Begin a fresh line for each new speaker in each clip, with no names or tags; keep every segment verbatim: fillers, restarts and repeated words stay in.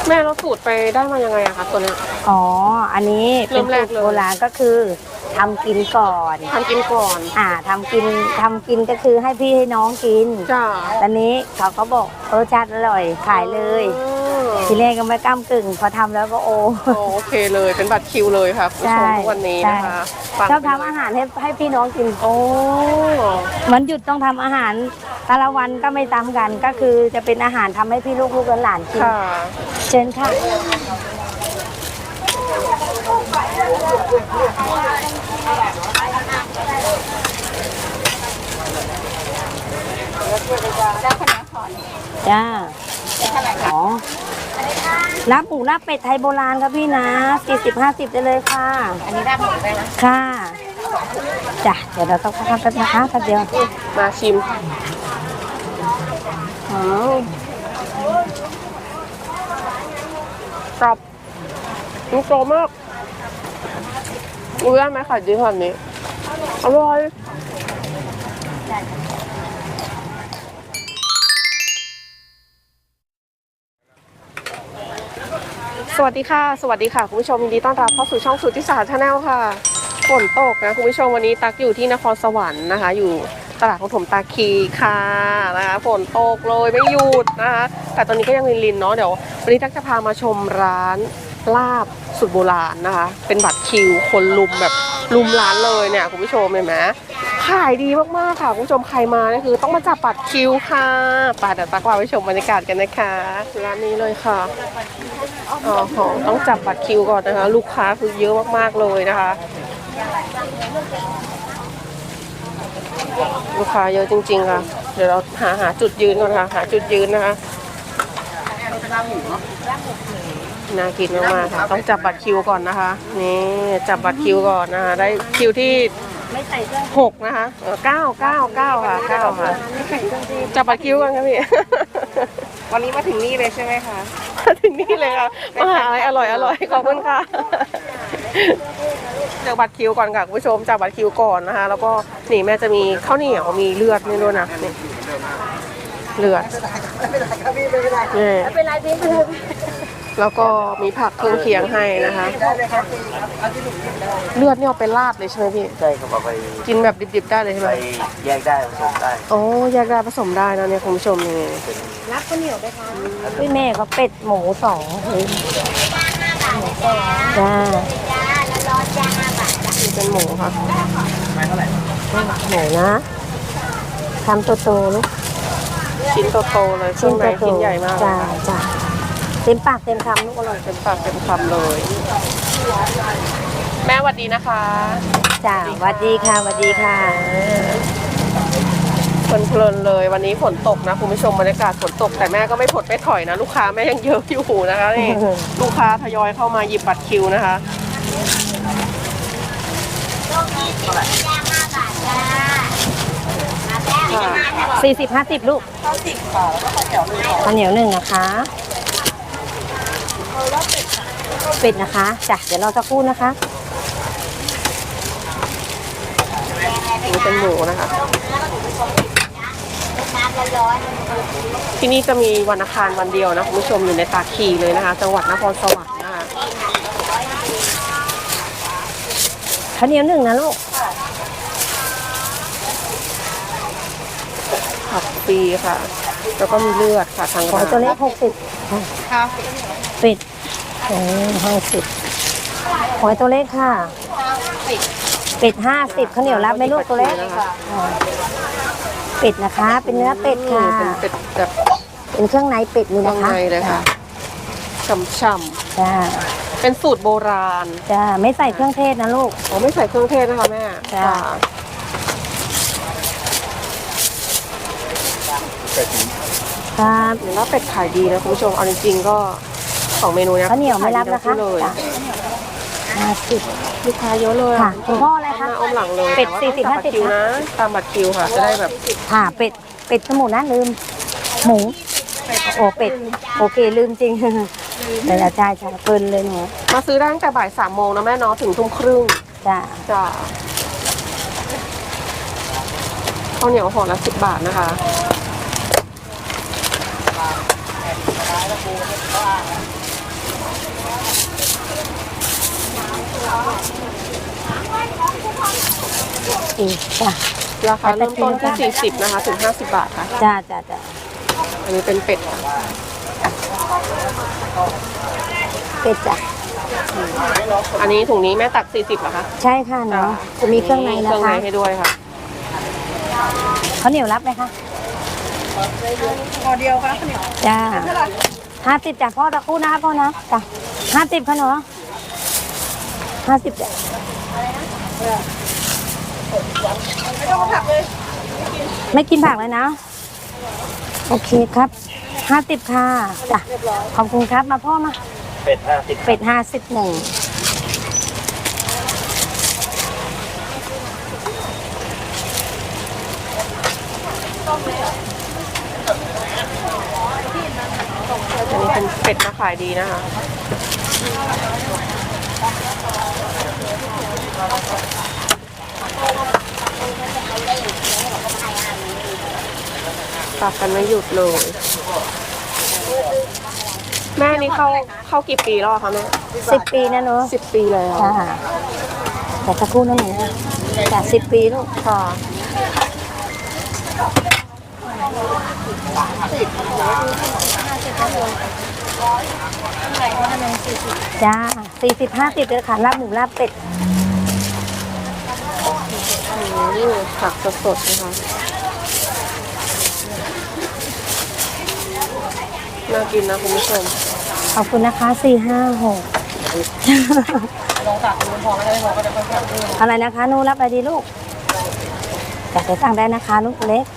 แม่เราสูตรไปได้มายังไงอะคะตัวเนี้ย
อ๋ออันนี้เป็นสูตรโบราณก็คือทำกินก่อน
ทำกินก่อน
อ่าทำกินทำกินก็คือให้พี่ให้น้องกิน
จ้า
ตอนนี้เขาก็บอกรสชาติอร่อยขายเลยทีแรกก็ไม่ก้ามกึ่งพอทำแล้วก็โอ
โอเคเลยเป็นบัตรคิวเลยครับผู้ชมทุกวันนี้นะคะ
ชอบทำอาหารให้ให้พี่น้องกิน
โอ้
มันหยุดต้องทำอาหารแต่ละวันก็ไม่ซ้ำกันก็คือจะเป็นอาหารทำให้พี่ลูกลูกหลานกินเชิญค่ะจ้าอ๋อรับหมูรับเป็ดไทยโบราณครับพี่นะสี่สิบห้าสิบได้เลยค่ะ
อันนี้รับหมูได้ไหม
ค่ะจ้ะเดี๋ยวเราต้องทำกันนะคะแป๊บเดียว
มาชิม
อ๋
อกรอบมันโตมากรู้ได้ไหมค่ะดีขนาดนี้อร่อยสวัสดีค่ะสวัสดีค่ะคุณผู้ชมยินดีต้อนรับเข้าสู่ช่องสุทธิศาสตร์ชาแนลค่ะฝนตกนะคุณผู้ชมวันนี้ตักอยู่ที่นครสวรรค์นะคะอยู่ตลาดของถมตาคีค่ะนะคะฝนตกเลยไม่หยุดนะคะแต่ตอนนี้ก็ยังลินๆเนาะเดี๋ยววันนี้ตักจะพามาชมร้านลาบสุดโบราณนะคะเป็นบัตรคิวคนลุมแบบลุมร้านเลยเนี่ยคุณผู้ชมเห็นไหมขายดีมากๆค่ะคุณผู้ชมใครมาเนี่ยคือต้องมาจับบัตรคิวค่ะไปเดี๋ยวตักพาไปชมบรรยากาศกันนะคะร้านนี้เลยค่ะอ๋อต้องจับบัตรคิวก่อนนะคะลูกค้าคือเยอะมากๆเลยนะคะลูกค้าเยอะจริงๆค่ะเดี๋ยวเราหาหาจุดยืนก่อนค่ะหาจุดยืนนะคะน่ากินมากๆค่ะต้องจับบัตรคิวก่อนนะคะนี่จับบัตรคิวก่อนนะคะได้คิวที่หกนะคะเก้าเก้าเก้าค่ะเก้าค่ะจับบัตรคิวกันค่ะพี่
วันนี้มาถึงนี่เลยใช่ไหมคะ
มาถึงนี่เลยค่ะมาหาอะไรอร่อยอร่อยขอบคุณค่ะจับบัตรคิวก่อนค่ะคุณผู้ชมจับบัตรคิวก่อนนะคะแล้วก็นี่แม่จะมีข้าวเหนียวมีเลือดนี่ด้วยนะนี่เลือดนี่แล้วก็มีผักเครื่องเคียงให้นะคะเลือดนี่เอาไปราดเลยใช่ไหมพี่
ใช่ครับเอาไป
กินแบบดิบๆได้เลยใช่ไหม
แยกได้ผสมได้
โอ้แยกได้ผสมได้นะเนี่ยคุณผู้ชมนี่
รับข้าวเหนียวไปค่ะพี่แม่เขาเป็ดหมูสองจ้า
นี่เป็นหมูค่ะ
หมูนะทำโตๆลูก
ชิ้นโตๆเลยชิ้นไหนชิ้นใหญ่มาก
จ้าจ้าเต็มปากเต็มคำลูกอร่อย
เต็มปากเต็มคำเลยแม่สวัสดีนะคะ
จ้าสวัสดีค่ะสวัสดีค่ะ
เพลินๆเลยวันนี้ฝนตกนะคุณผู้ชมบรรยากาศฝนตกแต่แม่ก็ไม่ผดไม่ถอยนะลูกค้าแม่ยังเยอะอยู่นะคะนี่ลูกค้าทยอยเข้ามาหยิบบัตรคิวนะคะ
สี่สิบห้าสิบลูกข้าวสิบค่ะแล้วก็ข้าวเหนียวหนึ่งข้าวเหนียวหนึ่งนะคะเป็ดนะคะจ้ะเดี๋ยวเราจะพูดนะคะ
นี่เป็นหมูนะคะที่นี่จะมีวันอังคารวันเดียวนะคุณผู้ชมอยู่ในตาคีเลยนะคะจังหวัดนครสวรรค์นะคะ
ข้าวเหนียวหนึ่งนะลูก
ผักปีค่ะแล้วก็มีเลือดค่ะทางร้าน
ตัวเล็กหกสิบ
ค่ะ
เป็ดโอ้ห้าสิบหอยตัวเล็กค่ะเป็ดห้าสิบข้าวเหนียวรับไหมลูกตัวเล็กเป็ดนะคะเป็นเนื้อเป็ดค่ะ
เป็นเป็ดแบบ
เป็นเครื่องในเป็ดนี่นะคะ
เครื่องในเลยค่ะฉ่ำๆ
จ้า
เป็นสูตรโบราณ
จ้าไม่ใส่เครื่องเทศนะลูก
อ๋อไม่ใส่เครื่องเทศนะคะแม่
จ้าครับ
เห็นว่าเป็ดขายดีนะคุณผู้ชมเอาจริงๆก็สองเมนูนี้
ข้าวเหนียวไม่รับนะคะ
เลย
ห้าสิบ
ลูกค้าเยอะเลย
ค่ะคุณพ่ออะไรคะ
อมหลังเลย
เป็ดสี่สิบห้าสิบ
นะตามบัตรคิวค่ะจะได้แบบ
ค่ะเป็ดเป็ดสมุนนะลืมหมูโอ้เป็ดโอเคลืมจริงแต่ละใช่ใช่เพลินเลยหนู
มาซื้อได้ตั้งแต่บ่ายสามโมงนะแม่เนาะถึงทุ่มครึ่ง
จ้า
จ้าข้าวเหนียวห่อละสิบบาทนะคะ
อีกจ้ะ
ราคาเริ่มต้นที่สี่สิบนะคะถึงห้าสิบบาทค่ะ
จ้าจ้าจ้า
อันนี้เป็นเป็ดค่ะ
เป็ดจ้ะ
อันนี้ถุงนี้แม่ตักสี่สิบเหรอคะ
ใช่ค่ะเนาะจะมีเครื่องใน
เค
นะ
รื่องใน
คะ
ให้ด้วยค่ะ
เขาวเหนียวรับไหมคะ
พอเดียวค่ะเนี่ย
จ้าห้าสิบจ้ะพ่อตะคู่นะคะพ่อนะจ้ะห้าสิบค่ะเนาะห้าสิบจ้ะ
ไม่ต้องผักเลย
ไม่กินผักเลยนะ โอเคครับห้าสิบค่ะจ้ะขอบคุณครับมาพ่อมา
เป็ดห้าสิบ
เป็ดห้าสิบหนึ่ง
อันนี้เป็นเป็ดมาขายดีนะคะตักกันไม่หยุดเลย แม่นี่เข้าเข้ากี่ปีแล้วอะคะแม่
สิบปีนะเนาะ
สิบปีแล้ว
จ้าแต่ตะคู่นั่นเองนะจ้ะสิบปีลูก
ค่ะ
จ้าสี่สิบห้าสิบเลยค่ะลาบหมูลาบเป็ด
อืมผักสดๆนะคะน่ากินนะคุณผู้ชม
ขอบคุณนะคะสี่ห้าหก
ลองตักดูพอไม่ได้พอก็จะค่อยๆเพิ่ม
อะไรนะคะหนูรับอะไรดีลูกจะไปสั่งได้นะคะลูกเล็ก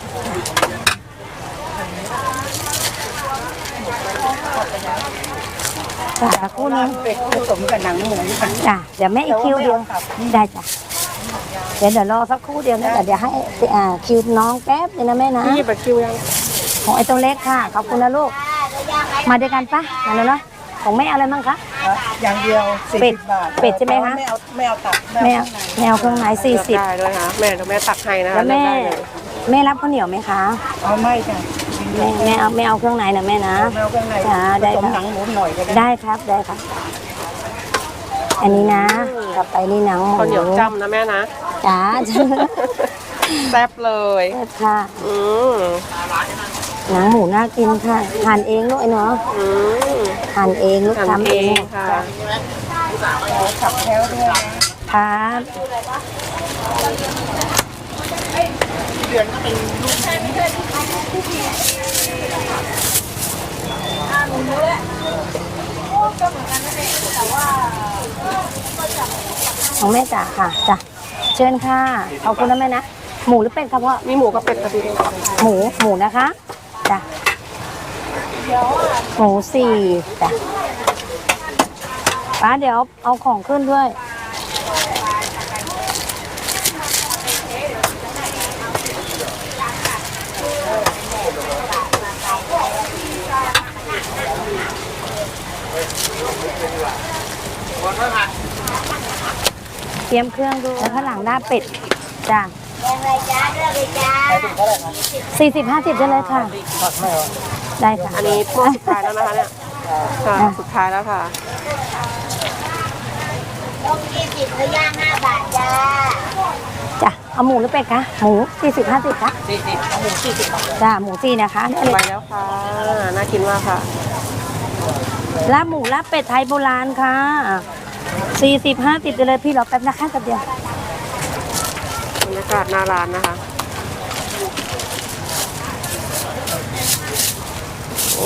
จ้าคู่นึง
เป็ดผสมกับหนังหมูค่ะ
จ้ะเดี๋ยวแม่อีกคิวเดียวได้จ้ะเดี๋ยวเดี๋ยวรอสักครู่เดียวนะแต่เดี๋ยวให้อ่าคิวน้องแป๊บนึงนะแม่นะ
พี่หยิบบัตรคิวยัง
ของไอ้ตัวเล็กค่ะขอบคุณนะลูกมาด้วยกันปะมาเลยเนาะของแม่อะไรมั่งคะ
อย่างเดียวสี่
เป็ด
สิบบาท
เป็ดใช่ไหมคะ
ไม่เอาไม่เอาตับ
แม่แมวเครื่องไหนสี่สิบ
ได้ด้วยค่ะแม่เดี๋ยวแม่ตักให้นะคะ
แล้วแม่
เลือกได้เลย
แม่รับข้าวเหนียวไหมคะ
เอาไม่จ้ะ
แม่แม่เอาแม่เอาเครื่องไหนนะแม่นะ
ไม่เอาเครื่องใน
จ้าได้
ผสม
ค่ะ
หนังหมูหน่อยก็ได้
ได้ครับได้ครับ อันนี้นะกลับไปนี่หนังหมู
ข้าวเหนียวจ้ำนะแม่นะ
จ้า
แซ่บเลย
ได้ค่ะ
อืม
หนังหมูน่ากินค่ะทานเองลูกไอ้เนาะ
อืม
ทานเองลูก
ทำ
ทำ
เอ
เอง
งค่ะ
ขับแถวด้วยนะครับ เดือนก็เป็นลูก
ของแม่จ๋าค่ะจ้ะเชิญค่ะขอบคุณนะแม่นะหมูหรือเป็ดครับพ่อ
มีหมูกับเป็ดค่ะพี่
หมูหมูนะคะจ้ะหมูสี่จ้ะป้าเดี๋ยวเอาของขึ้นด้วยเตรียมเครื่องด้วยแล้วข้างหลังหน้าเป็ดจ้ะสี่สิบห้าสิบได้เลยค่ะ ได้ค่ะ
อันนี้พวกสุดท้ายแล้วนะคะเนี่ยค่ะ
อ่ะ
สุดท้ายแล้วค่ะ
ต้มยี่สิบก็ย่างห้าบาทจ้า
จ้ะเอาหมูหรือเป็ดคะหมูสี่สิบห้าสิบคะ
สี่สิบเอาหมูสี่สิบบาท
จ้ะหมูสี่นะคะได้เล
ไป
ย
แล้วค่ะ น่ากินมากค่ะ
ลาบหมูลาบเป็ดไทยโบราณค่ะสี่สิบห้าสิบไปเลยพี่รอแป๊บนะคะแป๊บเดียว
บรรยากาศหน้าร้านนะคะ โอ้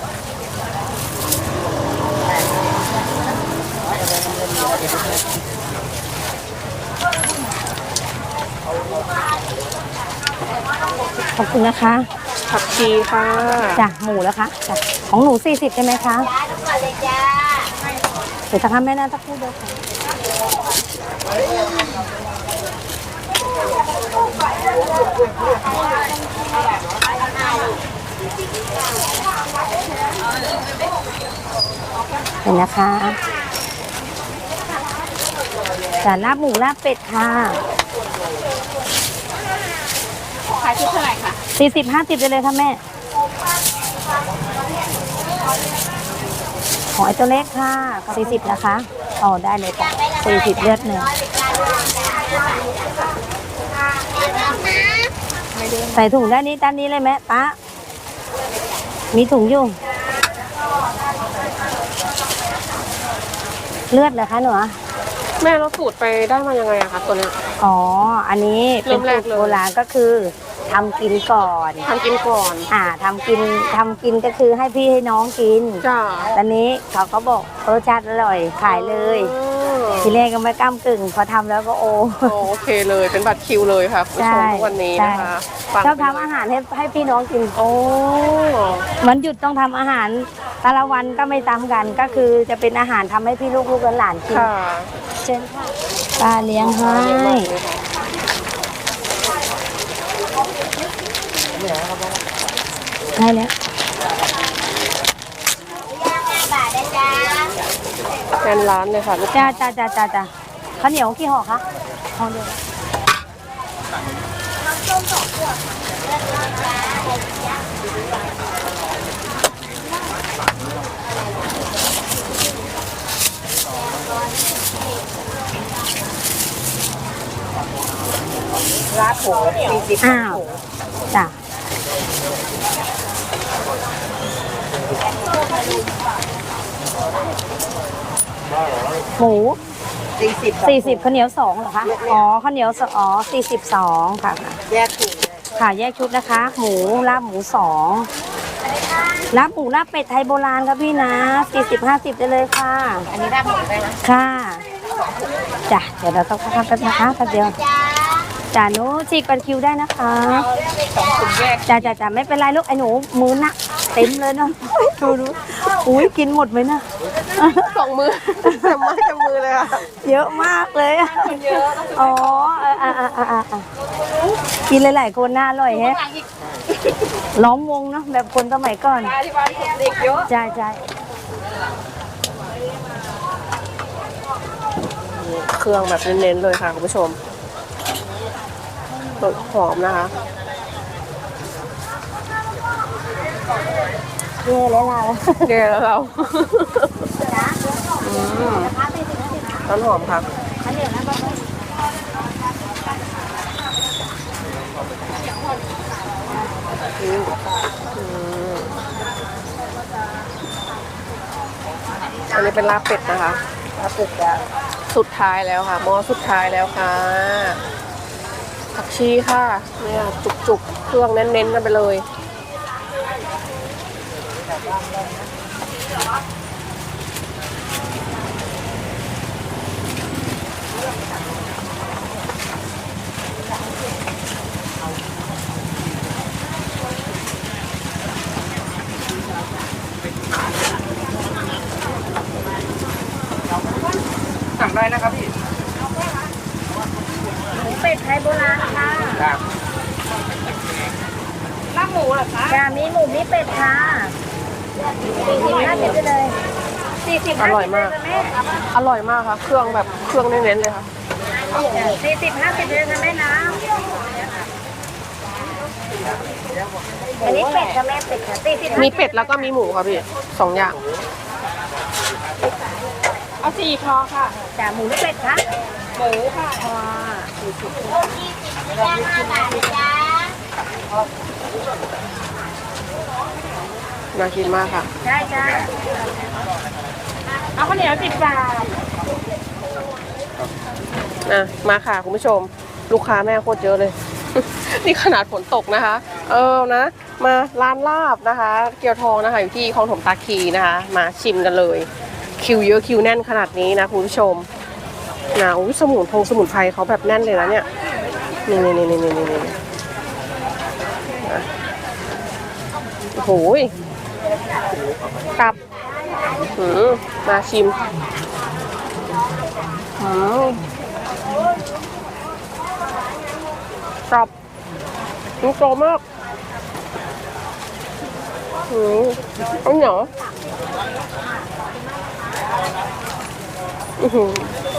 ขอบคุณนะคะ
ผักชีค่ะ
จ้ะหมูแล้วคะจ้ะของหนูสี่สิบใช่ไหมคะ
จ้าทุกคนเลยจ้า
เดี๋ยวจะทำแม่น่าจะพูดเดียวค่ะเห็นนะคะจ้ะลาบหมูลาบเป็ดค่ะ
ขายชุดเท่าไหร่คะ
สี่สิบห้าสิบไปเลยค่ะแม่ ของไอ้ตัวเล็กค่ะสี่สิบนะคะอ๋อได้เลยจ้ะ
ไม่ละ
สี่สิบเลือดหนึ่งใส่ถุงด้านนี้ด้านนี้เลยไหมป้ามีถุงอยู่เลือดเหรอคะหนู
แม่เราสูตรไปได้มายังไงอะคะตัวเนี้ย
อ๋ออันนี้เป็น
เริ่มแร
สู
ก
ตร
เลย
โบราณก็คือทำกินก่อน
ทำกินก่อน
อ่าทำกินทำกินก็คือให้พี่ให้น้องกิน
จ้า
ตอนนี้เขาก็บอกรสชาติอร่อยขายเลย
อ๋อ
ทีแรกก็ไม่กล้ามกึ่งพอทำแล้วก็โอ้
โอเคเลยเป็นบัตรคิวเลยค่ะคุณผู้ชม
ใช่
ทุกวันนี้นะคะ
ใช่
ฟัง
ชอบทำอาหารให้ให้พี่น้องกิน
โอ้
วันหยุดต้องทำอาหารแต่ละวันก็ไม่ซ้ำกัน ก็คือจะเป็นอาหารทำให้พี่ลูกลูกหลานๆกิน
ค่ะ
เชิญค่ะป้าเลี้ยงให้
เรียกมาเลยค่ะ
ให้แล้ว
ย่างห้าบาทนะจ๊ะ
แทนร้านเลยค่ะลูก
จ้าจ้าจ้าจ้าจ้าข้าวเหนียวกี่ห่อคะห่อเดียวราดผงสี่สิบอ้าวจ้ะหมูสี่สิบสี่สิบข้าวเหนียวสองเหรอคะอ๋อข้าวเหนียวสอ๋อสี่สิบสองค่ะ
แยกถุง
ค่ะแยกชุดนะคะ หมูลาบหมูสองลาบหมูลาบเป็ดไทยโบราณครับพี่นะสี่สิบห้าสิบได้เลยค่ะ
อันนี้ได้หมดได้ไหม
ค่ะจ้ะเดี๋ยวเราต้องพักกันนะคะแป๊บเดียว
จ้า
จ้าหนูฉีกบัตรคิวได้นะคะ
สองถุงแยก
จ้าจ้าจ้าไม่เป็นไรลูกไอ้หนูมือหนักเต็มเลยเนาะดูดูอุ้ยกินหมดไหมนะ
สองมือเต็มไม้เต็มมือเลยค่ะ
เยอะมากเลยอะอ๋ออ่ะอ่ะอ่ะอ่ะอ่ะอ่ะกินหลายๆคนน่าอร่อยแฮะล้อมวงเนาะแบบคนสมัยก่อน
ที่บ้านเด็กเยอะ
ใช่ใช่
เครื่องแบบเน้นๆเลยค่ะคุณผู้ชมหอมนะคะ
เย่แล้วเรา
แกแล้วเราอืมต้นหอมค่ะอืมอืมอันนี้เป็นลาบเป็ดนะคะลาบเป็ดจะสุดท้ายแล้วค่ะหม้อสุดท้ายแล้วค่ะผักชีค่ะเนี่ยจุกๆเครื่องเน้นๆกันไปเลย
สั่งได้นะครับพี่
เป็ดไทยโบราณค่ะ
ครับ
ลาบหมูเหรอคะจ้ามีหมูมีเป็ดค่ะสี่สิบห้าสิบไปเลยสี่สิบ
อร่อยมาก อร่อยมากค่ะ เครื่องแบบเครื่องเน้นๆเลยค่ะ
สี่สิบห้าสิบเลยค่ะแม่นะอันนี้เป็ดค่ะแม่เป็ดค่ะสี่สิบ
มีเป็ดแล้วก็มีหมูค่ะพี่สองอย่าง
เอาสี่คอค่ะจ้าหมูหรือเป็ดคะหมูค่ะคอ
ย่างห้าบาทนะจ๊ะ
น่ากินมากค่ะ
ใช่จ้าเอาข้าวเหนียวสิบบาท
อ่ะมาค่ะคุณผู้ชม ลูกค้าแม่โคตรเยอะเลย นี่ขนาดฝนตกนะคะ เออนะ มาร้านลาบนะคะ เกียวทองนะคะอยู่ที่คลองถมตาคีนะคะ มาชิมกันเลย คิวเยอะคิวแน่นขนาดนี้นะคุณผู้ชมนะอุ้ยสมุนพงสมุนไพรเขาแบบแน่นเลยนะเนี่ยนี่นี่นี่นี่นี่นี่นะโอ้โหยตับหืมมาชิมหืมตับมันโตมากหืมเอาเหนียวอือหือ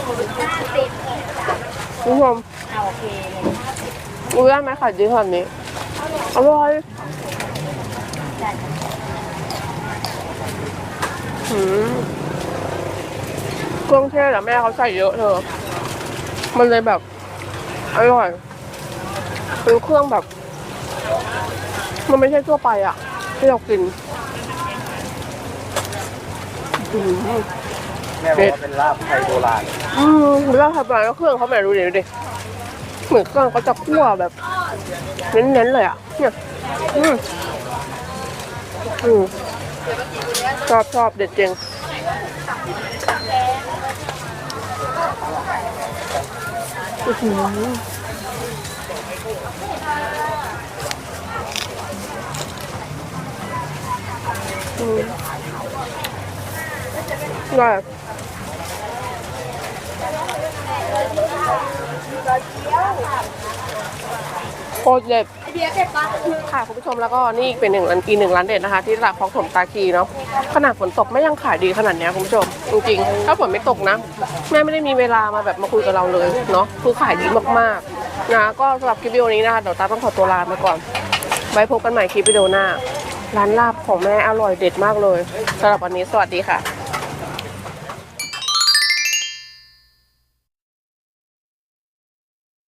คุณผู้ชม
เอาโอเค
รู้ได้ไหมค่ะดีขนาดนี้อร่อยหืมเครื่องเทศอะแม่เขาใส่เยอะเธอมันเลยแบบอร่อยเป็นเครื่องแบบ มันไม่ใช่ทั่วไปอะที่เรากินอืม
แม่บอกว่าเป็นลาบไทยโบราณ
อืมแล้วทำอะไรแล้วเครื่องเขาแบบดูดิดูดิเหมือนเครื่องเขาจะคั่วแบบเน้นๆเลยอะเนี่ยอืมอืมชอบชอบเด็ดจริงอื้อหืออืมได้โคตรเด็ดค่ะคุณผู้ชมแล้วก็นี่เป็นหนึ่งร้านอีกหนึ่งร้านเด็ดนะคะ ที่ตลาดคลองถมตาคีเนาะขนาดฝนตกไม่ยังขายดีขนาดเนี้ยคุณผู้ชมจริงๆถ้าฝนไม่ตกนะแม่ไม่ได้มีเวลามาแบบมาคุยกับเราเลยเนาะคือขายดีมากๆนะก็สำหรับคลิปวิดีโอนี้นะคะเดี๋ยวตาต้องขอตัวลาไปก่อนไว้พบกันใหม่คลิปวิดีโอหน้าร้านลาบของแม่อร่อยเด็ดมากเลยสำหรับวันนี้สวัสดีค่ะ